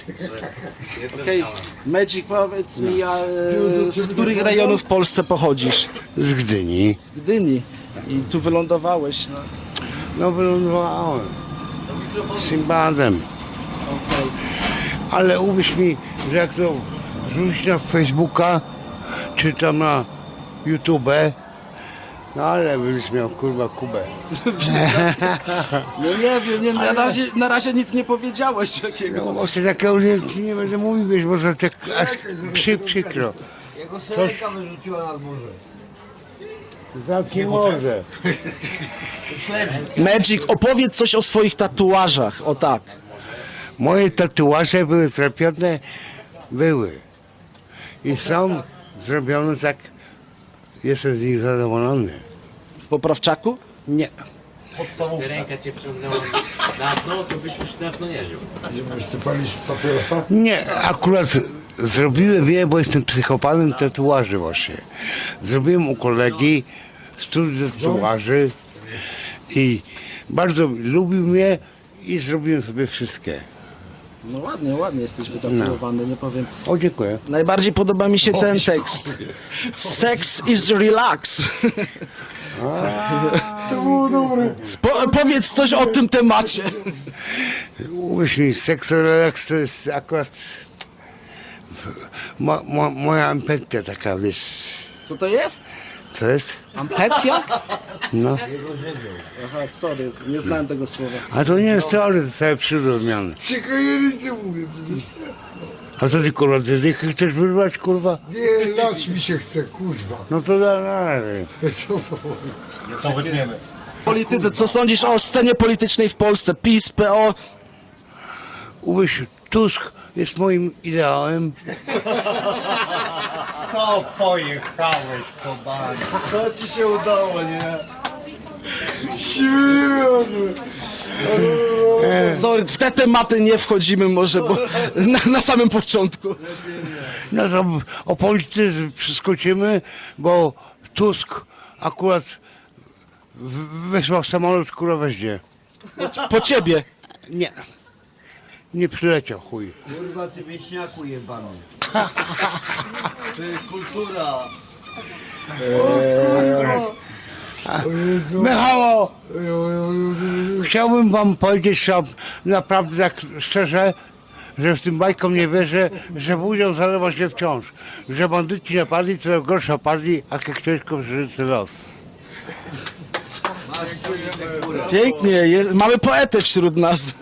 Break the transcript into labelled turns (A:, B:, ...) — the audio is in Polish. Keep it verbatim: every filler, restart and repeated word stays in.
A: Okej, Magic, powiedz mi, a, e, z których rejonów w Polsce pochodzisz?
B: Z Gdyni.
A: Z Gdyni. I tu wylądowałeś, no.
B: No wylądowałem. Z Simbadem.
A: Okej.
B: Ale uwierz mi, że jak to wrzucić na Facebooka, czy tam na YouTube, no ale byś miał kurwa Kubę.
A: No nie wiem, nie, na, razie, na razie nic nie powiedziałeś takiego.
B: No właśnie takiego nie, ci nie będę mówił, wiesz, może tak aż przy, przykro.
C: Jego syrenka wyrzuciła nad morze.
B: Zamknij morze.
A: Magic, opowiedz coś o swoich tatuażach, o tak.
B: Moje tatuaże były zrobione, były. I są zrobione tak, jestem z nich zadowolony.
A: W poprawczaku?
B: Nie.
D: Ręka cię wciągnęła na dno, to byś już dawno nie żył.
E: Ty palisz papierosa?
B: Nie, akurat zrobiłem je, bo jestem psychopatem tatuaży właśnie. Zrobiłem u kolegi studium tatuaży i bardzo lubił mnie i zrobiłem sobie wszystkie.
A: No ładnie, ładnie jesteś wytatuowany, nie powiem.
B: O, dziękuję.
A: Najbardziej podoba mi się ten tekst. Sex is relax.
E: To było dobre.
A: Po, powiedz coś o tym temacie.
B: Uwierz mi, seks relaks to jest akurat mo, mo, moja ampetia taka, wiesz,
A: Co to jest?
B: co jest?
A: Ampetia?
B: No.
A: Aha, sorry, nie znałem tego słowa.
B: A to nie jest teoria, to całe przyrozumiane.
E: Przekajelicy mówię przecież.
B: A co ty kurwa, ty dychy chcesz wyrwać kurwa?
E: Nie, lać mi się chce, kurwa.
B: No to da, dalej.
E: Co to?
A: Polityce, co sądzisz o scenie politycznej w Polsce? PiS, P O?
B: Uwierz, Tusk jest moim ideałem.
F: To pojechałeś po bani. To ci się udało, nie?
A: Sorry, w te tematy nie wchodzimy może, bo na, na samym początku.
B: No to o polityce przeskoczymy, bo Tusk akurat w- wysłał samolot, kurwa weźmie.
A: Po ciebie.
B: Nie. Nie przyleciał, chuj.
C: Kurwa, ty wieśniaku jebany.
F: Ty kultura.
B: Michało, chciałbym wam powiedzieć, że naprawdę tak szczerze, że w tym bajkom nie wierzę, że budzią zalewa się wciąż. Że bandyci napadli, co gorsza padli, a jak ciężko przeżyty los.
A: Pięknie, jest, mamy poetę wśród nas.